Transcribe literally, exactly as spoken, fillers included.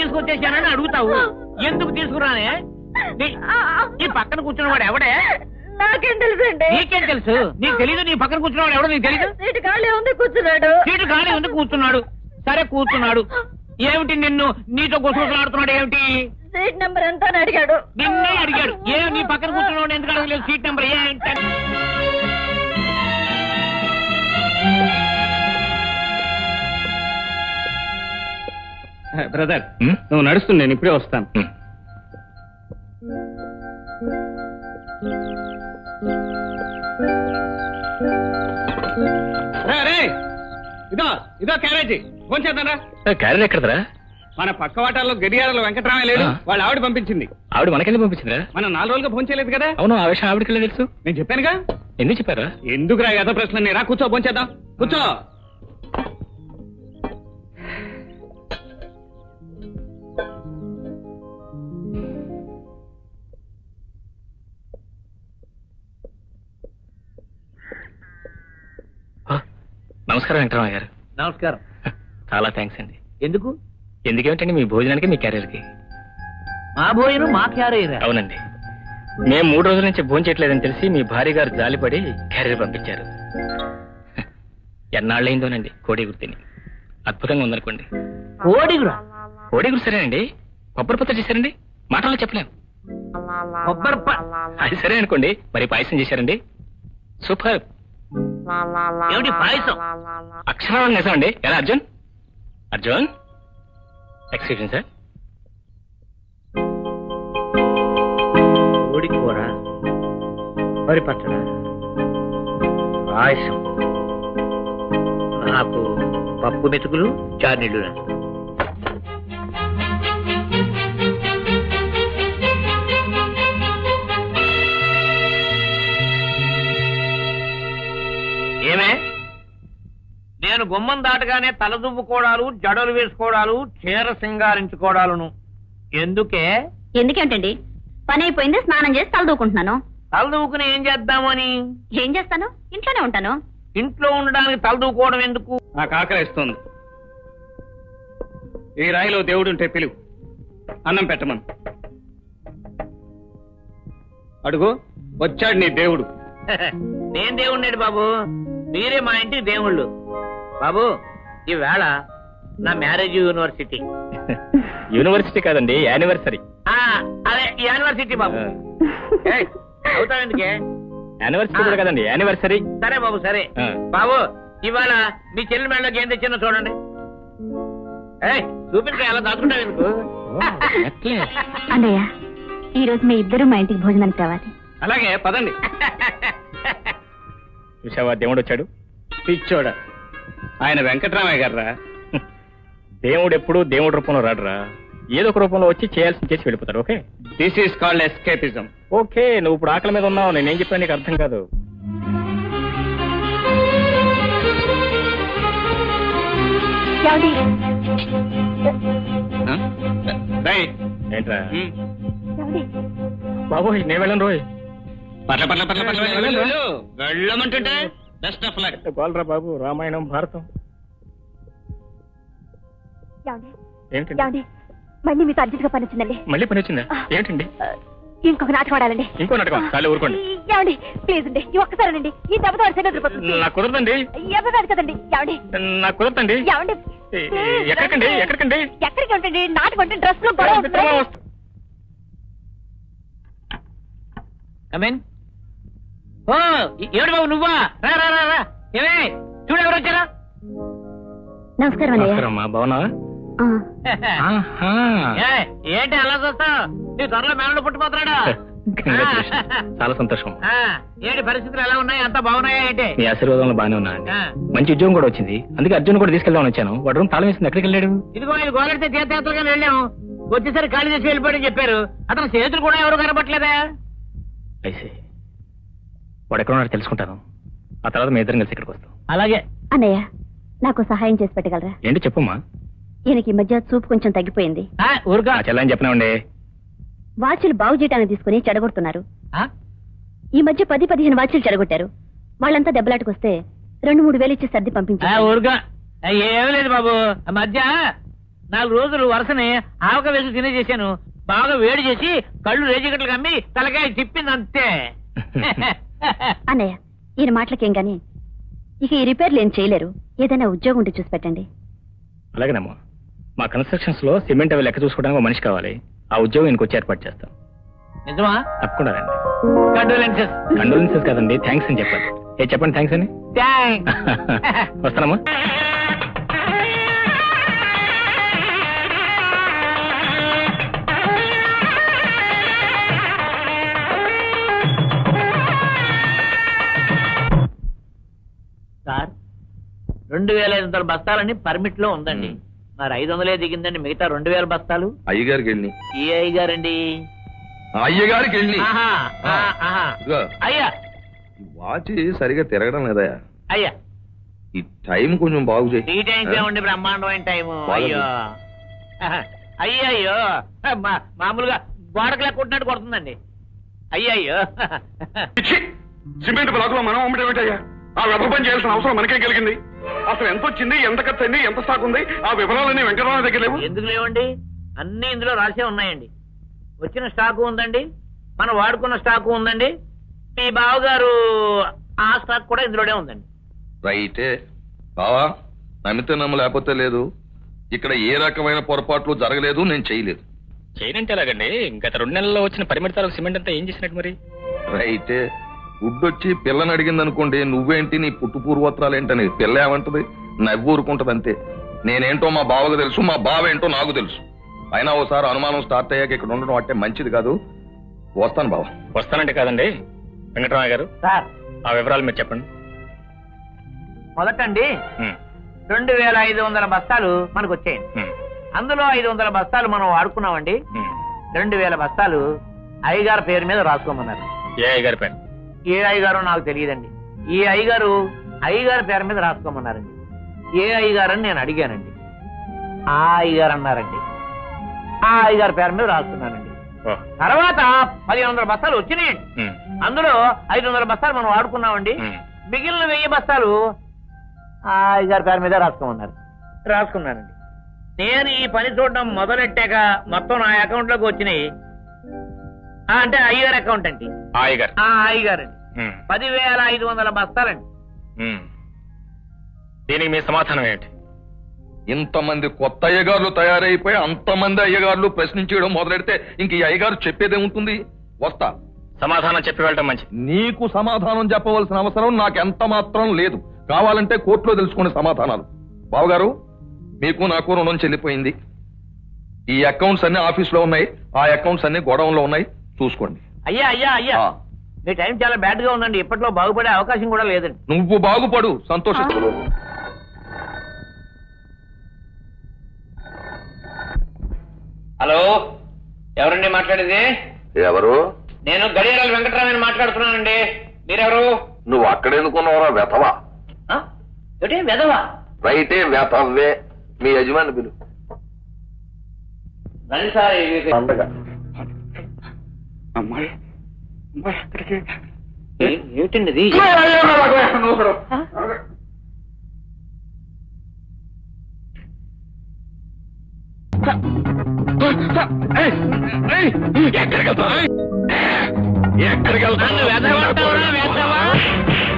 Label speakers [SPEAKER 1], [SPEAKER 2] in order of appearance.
[SPEAKER 1] తీసుకొచ్చేసానని అడుగుతావు. ఎందుకు తీసుకురానే? ఈ పక్కన కూర్చున్నవాడు ఎవడే?
[SPEAKER 2] నాకేం తెలుసండి.
[SPEAKER 1] నీకేం తెలుసు? నీకు తెలీదు? నీ పక్కన కూర్చున్నవాడు ఎవడో నీకు తెలీదు?
[SPEAKER 2] సీటు ఖాళీ ఉంది కూర్చున్నాడు.
[SPEAKER 1] సీటు ఖాళీ ఉంది కూర్చున్నాడు. సరే కూర్చున్నాడు. ఏమిటి నిన్ను నీతో గుసగుసలాడుతున్నాడు ఏమిటి?
[SPEAKER 2] సీట్ నెంబర్ ఎంత అని అడిగాడు.
[SPEAKER 1] నిన్నే అడిగాడు. ఏ నీ పక్కన కూర్చున్నాడు ఎందుకు అడగలేదు సీట్ నెంబర్ ఏంటి?
[SPEAKER 3] బ్రదర్ నువ్వు నడుస్తుంది, నేను ఇప్పుడే వస్తాను. ఇదో ఇదో క్యారేజీ భోంచేద్దారా.
[SPEAKER 4] క్యారేజ్ ఎక్కడదరా?
[SPEAKER 3] మన పక్క వాటాల్లో గడియారాలు వెంకటరామయ్య లేడు, వాళ్ళ ఆవిడ పంపించింది.
[SPEAKER 4] ఆవిడ మనకెళ్ళి పంపించిందిరా?
[SPEAKER 3] మనం నాలుగు రోజులుగా భోంచేయలేదు కదా.
[SPEAKER 4] అవును, ఆ విషయం ఆవిడకెళ్ళి తెలుసు.
[SPEAKER 3] నేను చెప్పానుగా.
[SPEAKER 4] ఎందుకు చెప్పారా?
[SPEAKER 3] ఎందుకు రా గత ప్రశ్న? నేరా కూర్చో, భోంచేద్దాం కూర్చో.
[SPEAKER 4] నమస్కారం వెంకటరామయ్య గారు.
[SPEAKER 1] నమస్కారం.
[SPEAKER 4] చాలా థ్యాంక్స్ అండి.
[SPEAKER 1] ఎందుకు?
[SPEAKER 4] ఎందుకేమిటండి మీ భోజనానికి మీ క్యారియర్కి?
[SPEAKER 1] మా భోజనం మా క్యారియర్?
[SPEAKER 4] అవునండి. మేము మూడు రోజుల నుంచి భోజనం చేయట్లేదని తెలిసి మీ భార్య గారు జాలిపడి క్యారియర్ పంపించారు. ఎన్నాళ్ళైందోనండి కోడి గుర్తిని. అద్భుతంగా ఉందనుకోండి.
[SPEAKER 1] కోడిగురా?
[SPEAKER 4] కోడిగురు సరేనండి. కొబ్బరి పత్ర చేశారండి, మాటల్లో చెప్పలేం.
[SPEAKER 1] కొబ్బరి
[SPEAKER 4] అది సరే అనుకోండి. మరి పాయసం చేశారండి, సూపర్.
[SPEAKER 1] ఏమిటి పాయసం?
[SPEAKER 4] అక్షరం నిజం అండి. ఎలా అర్జున్? Arjun excuse sir.
[SPEAKER 1] కోడి కూర, వరి పచ్చడ, పాయసం, నాకు పప్పు మెతుకులు, చార్నీళ్ళు. ఏమే, నేను గుమ్మం దాటగానే తలదువ్వుకోవడాలు, జడలు వేసుకోవడాలు, చీర సింగారించుకోవడాలను ఎందుకే?
[SPEAKER 2] ఎందుకేంటండి, పని అయిపోయింది, స్నానం చేసి తలదూకుంటున్నాను.
[SPEAKER 1] తలదూకుని ఏం చేద్దామని?
[SPEAKER 2] ఏం చేస్తాను, ఇంట్లోనే ఉంటాను.
[SPEAKER 1] ఇంట్లో ఉండడానికి తలదూకోవడం ఎందుకు?
[SPEAKER 3] నాకు ఆకలిస్తుంది. ఈ రాయిలో దేవుడుంటే పిలువు, అన్నం పెట్టమను. అడుగు, వచ్చాడు నీ దేవుడు.
[SPEAKER 1] నేను దేవుణ్ణి బాబు, మీరే మా ఇంటికి దేవుళ్ళు. బాబు, ఈవేళ నా మ్యారేజ్ యూనివర్సిటీ.
[SPEAKER 4] యూనివర్సిటీ కాదండి, యానివర్సరీ.
[SPEAKER 1] అదే యానివర్సిటీ బాబు. అవుతావు ఎందుకే?
[SPEAKER 4] యానివర్సరీ కూడా కదండి, యానివర్సరీ.
[SPEAKER 1] సరే బాబు, సరే బాబు. ఇవాళ మీ చెల్లి మెడలోకి ఏం తెచ్చినా చూడండి. చూపించే అలా దాచుకుంటావు ఎందుకు?
[SPEAKER 2] అన్నయ్య, ఈ రోజు మీ ఇద్దరు మా ఇంటికి భోజనానికి రావాలి.
[SPEAKER 3] అలాగే పదండి.
[SPEAKER 4] చూసావా, దేవుడు వచ్చాడు.
[SPEAKER 3] పిచ్చోడ, ఆయన వెంకటరామయ్య గారా.
[SPEAKER 4] దేవుడు ఎప్పుడు దేవుడి రూపంలో రాడురా, ఏదో ఒక రూపంలో వచ్చి చేయాల్సి చేసి వెళ్ళిపోతాడు. Okay,
[SPEAKER 3] this is called escapism.
[SPEAKER 4] Okay, నువ్వు ఇప్పుడు ఆకలి మీద ఉన్నావు, నేనేం చెప్పాను నీకు అర్థం కాదు. ఏంట్రా బాబు, నేను వెళ్ళను రోయ్.
[SPEAKER 3] పట్ల పట్ల పట్ల పట్ల వెళ్ళమంటుంటే బెస్ట్ ఆఫ్ లక్.
[SPEAKER 4] బాలరా బాబు, రామాయణం భారతం ఏంటండి?
[SPEAKER 2] మళ్ళీ మీకు అర్జెంట్ గా పని వచ్చిందండి.
[SPEAKER 4] మళ్ళీ పని వచ్చిందా? ఏంటండి?
[SPEAKER 2] ఇంకొక నాటకం ఆడాలండి.
[SPEAKER 4] ఇంకో నాటకం? చాలు ఊరుకోండి.
[SPEAKER 2] ఏమండి ప్లీజ్ అండి, ఈ ఒక్కసారండి. ఈ దెబ్బతో వదిలిపోతుంది.
[SPEAKER 4] నాకు కుదరదండి.
[SPEAKER 2] ఎవరు కదండి. ఏమండి నాకు
[SPEAKER 4] కుదరదండి.
[SPEAKER 2] ఏమండి
[SPEAKER 4] ఎక్కడికండి? ఎక్కడికండి?
[SPEAKER 2] ఎక్కడికి ఉంటుంది నాటకం అంటే డ్రెస్ లో గొడవ.
[SPEAKER 1] ఓ ఏడు బాబు, నువ్వా? రా రా రా రా. ఏమే చూడు, ఎవరు వచ్చారా?
[SPEAKER 2] నమస్కారం
[SPEAKER 4] నమస్కారం. బాగున్నావా?
[SPEAKER 1] ఏంటి అలా చూస్తావు? నీ త్వరలో మేనలు పుట్టిపోతున్నాడా?
[SPEAKER 4] చాలా సంతోషం.
[SPEAKER 1] ఏంటి పరిస్థితులు ఎలా ఉన్నాయి? అంతా బాగున్నాయా ఏంటి?
[SPEAKER 4] మీ ఆశీర్వాదంలో బాగానే ఉన్నా. మంచి ఉద్యోగం కూడా వచ్చింది, అందుకే అర్జున్ కూడా తీసుకెళ్దామని వచ్చాను. వాడు రూమ్ తాళం వేసింది, ఎక్కడికి వెళ్ళాడు?
[SPEAKER 1] ఇదిగో ఇది గోలెడితే తీర్థయాత్రగా వెళ్ళాము, వచ్చేసరి ఖాళీ చేసి వెళ్ళిపోయాడని చెప్పారు. అతను చేతులు కూడా ఎవరు కనపట్లేదా?
[SPEAKER 4] అయితే వాడు ఎక్కడ ఉన్నాడో తెలుసుకుంటాను, ఆ తర్వాత మీ ఇద్దరం కలిసి ఇక్కడికి వస్తాం.
[SPEAKER 1] అలాగే.
[SPEAKER 2] అన్నయ్య, నాకు సహాయం చేసి పెట్టగలరా?
[SPEAKER 4] ఏంటి చెప్పమ్మా.
[SPEAKER 2] ఈయనకి ఈ మధ్య చూపు కొంచెం తగ్గిపోయింది.
[SPEAKER 4] ఊరుగా చెల్లని చెప్పినాండి.
[SPEAKER 2] వాచ్లు బాగు చేయడానికి తీసుకుని చెడగొడుతున్నారు. ఈ మధ్య పది పదిహేను వాచ్లు చెడగొట్టారు. వాళ్ళంతా దెబ్బలాటకొస్తే రెండు మూడు వేలు ఇచ్చి సర్ది పంపించారు.
[SPEAKER 1] ఊరుగా ఏమీ లేదు బాబు. మధ్య నాలుగు రోజులు వరుసనే ఆవక వేసి తినేసేసాను. బాగా వేడి చేసి కళ్ళు రేజిగట్లు కమ్మి తలకాయ తిప్పింది అంతే.
[SPEAKER 2] అన్నయ్య ఈయన మాటలకేం గాని ఇక ఈ రిపేర్లు ఏం చేయలేరు. ఏదైనా ఉద్యోగం ఉంటే చూసి పెట్టండి.
[SPEAKER 4] అలాగేనమ్మా. మా కన్స్ట్రక్షన్స్ లో సిమెంట్ అవి లెక్క చూసుకోవడానికి ఒక మనిషి కావాలి. ఆ ఉద్యోగం ఇంకొచ్చి వచ్చి ఏర్పాటు చేస్తాం.
[SPEAKER 1] నిజమా?
[SPEAKER 4] తప్పకుండా రండి.
[SPEAKER 1] కండోలెన్సెస్.
[SPEAKER 4] కండోలెన్సెస్ కాదండి, థ్యాంక్స్ అని చెప్పాలి. ఏ చెప్పండి థ్యాంక్స్ అని.
[SPEAKER 1] థ్యాంక్స్.
[SPEAKER 4] వస్తానమ్మా.
[SPEAKER 1] సార్ రెండు వేల ఐదు వందల బస్తాలని పర్మిట్ లో ఉందండి. మరి ఐదు వందలే దిగిందండి. మిగతా రెండు వేల బస్తాలు
[SPEAKER 5] అయ్యగారికి వెళ్ళి
[SPEAKER 1] ఈ అయ్యగారండి.
[SPEAKER 5] అయ్యగారికి వెళ్ళి
[SPEAKER 1] ఆహా, ఆ, ఆహా. అయ్యా
[SPEAKER 5] వాచ్ సరిగా తిరగడం లేదా?
[SPEAKER 1] అయ్యా
[SPEAKER 5] ఈ టైం కొంచెం బాగు
[SPEAKER 1] ఈ
[SPEAKER 5] చేయి.
[SPEAKER 1] టైంకి ఏమండి బ్రహ్మాండమైన టైము. అయ్యో అయ్యో అయ్యో మా- మామూలుగా గోడకు లెక్కుంటున్నట్టు కొడుతుందండి. అయ్యయ్యో
[SPEAKER 6] సిమెంట్ బ్లాక్ లో మనం అమ్మటేమిటయ్యా? ఆ వెధ పని చేయాల్సిన అవసరం మనకే కలిగింది. అసలు ఎంత వచ్చింది, ఎంత ఖర్చు అయింది, ఎంత స్టాక్ ఉంది, ఆ వివరాలన్నీ వెంకటరావు దగ్గర లేవు.
[SPEAKER 1] ఎందుకు లేవండి? అన్ని ఇందులో రాసే ఉన్నాయండి. వచ్చిన స్టాకు ఉందండి, మనం వాడుకున్న స్టాకు ఉందండి, మీ బావగారు ఆ స్టాక్ కూడా ఇందులోనే ఉందండి.
[SPEAKER 5] రైటే బావా, నమ్మితే నమ్మ లేకపోతే లేదు. ఇక్కడ ఏ రకమైన పొరపాట్లు జరగలేదు, నేను చేయలేదు.
[SPEAKER 4] చేయనంటే ఎలాగండి? గత రెండు నెలల్లో వచ్చిన పరిమితాలకు సిమెంట్ అంతా ఏం చేసినట్టు మరి?
[SPEAKER 5] రైటే గుడ్డొచ్చి పిల్లని అడిగింది అనుకోండి, నువ్వేంటి నీ పుట్టు పూర్వోత్తరాలు ఏంటని పిల్ల ఏమంటది? నవ్వు ఊరుకుంటది అంతే. నేనేంటో మా బావకు తెలుసు, మా బావ ఏంటో నాకు తెలుసు. అయినా ఓసారి అనుమానం స్టార్ట్ అయ్యాక ఇక్కడ ఉండడం అంటే మంచిది కాదు. వస్తాను బావ.
[SPEAKER 4] వస్తానంటే కాదండి వెంకటరామయ్య గారు,
[SPEAKER 1] సార్
[SPEAKER 4] ఆ వివరాలు మీరు చెప్పండి.
[SPEAKER 1] మొదటండి
[SPEAKER 4] ఉమ్,
[SPEAKER 1] రెండు వేల ఐదు వందల బస్తాలు మనకు వచ్చాయండి.
[SPEAKER 4] ఉమ్,
[SPEAKER 1] అందులో ఐదు వందల బస్తాలు మనం వాడుకున్నామండి.
[SPEAKER 4] ఉమ్.
[SPEAKER 1] రెండు వేల బస్తాలు అయ్యగారు పేరు మీద రాసుకోమన్నారు.
[SPEAKER 4] ఏ అయ్య గారి పేరు?
[SPEAKER 1] ఏ అయ్యగారో నాకు తెలియదండి. ఈ అయ్యగారు అయ్యగారి పేరు మీద రాసుకోమన్నారండి. ఏ అయ్యగారు అని నేను అడిగానండి. ఆ అయ్యగారు అన్నారండి. ఆ అయ్యగారి పేరు మీద రాసుకున్నానండి.
[SPEAKER 4] ఓ,
[SPEAKER 1] తర్వాత పదిహేను వందల బస్తాలు వచ్చినాయండి.
[SPEAKER 4] ఉమ్,
[SPEAKER 1] అందులో ఐదు వందల బస్తాలు మనం వాడుకున్నామండి.
[SPEAKER 4] ఉమ్.
[SPEAKER 1] మిగిలిన వెయ్యి బస్తాలు ఆ అయ్యగారి పేరు మీద రాసుకోమన్నారు. రాసుకున్నానండి. నేను ఈ పని చూడడం మొదలెట్టాక మొత్తం నా అకౌంట్ లోకి వచ్చినాయి. ఆ, అంటే అయ్యగారి అకౌంట్ అండి.
[SPEAKER 4] ఆ అయ్య గారు.
[SPEAKER 1] ఆ అయ్యగారండి
[SPEAKER 4] ఉమ్,
[SPEAKER 1] పదివేల ఐదు వందల బస్తాలండి.
[SPEAKER 4] ఉమ్. దీనికి మీ సమాధానం ఏంటి?
[SPEAKER 5] ఇంతమంది కొత్త అయ్యగారులు తయారైపోయి అంతమంది అయ్యగారులు ప్రశ్నించడం మొదలెడితే ఇంక ఈ అయ్యగారు చెప్పేదేముంటుంది? వస్తా.
[SPEAKER 4] సమాధానం చెప్పి వెళ్ళటం మంచిది.
[SPEAKER 5] నీకు సమాధానం చెప్పవలసిన అవసరం నాకెంత మాత్రం లేదు. కావాలంటే కోర్టులో తెలుసుకునే సమాధానాలు. బావగారు, మీకు నాకు రుణం చెల్లిపోయింది. ఈ అకౌంట్స్ అన్ని ఆఫీస్ లో ఉన్నాయి, ఆ అకౌంట్స్ అన్ని గోడౌన్ లో ఉన్నాయి, చూసుకోండి.
[SPEAKER 1] అయ్యా అయ్యా అయ్యా
[SPEAKER 5] ఆ,
[SPEAKER 1] మీ టైం చాలా బ్యాడ్ గా ఉందండి. ఇప్పట్లో బాగుపడే అవకాశం కూడా లేదండి.
[SPEAKER 5] నువ్వు బాగుపడు, సంతోషిస్తు.
[SPEAKER 1] హలో, ఎవరండి మాట్లాడేది?
[SPEAKER 5] ఎవరు?
[SPEAKER 1] నేను గడియారాల వెంకటరామని మాట్లాడుతున్నానండి. మీరెవరు?
[SPEAKER 5] నువ్వు అక్కడెందుకున్నావరా వెతవా?
[SPEAKER 1] ఆ? ఏమిటి వెధవా?
[SPEAKER 5] రైటే వెతవే. మీ యజమాని పిలు.
[SPEAKER 1] రండి సార్. ఇది-
[SPEAKER 6] అమ్మాయి అమ్మాయి అక్కడికి
[SPEAKER 1] ఏ- ఏమిటండి ఇది?
[SPEAKER 6] ఎక్కడికి వెళ్తా ఎక్కడికి వెళ్తా
[SPEAKER 1] నన్ను వెధవ అంటావురా, వెధవ?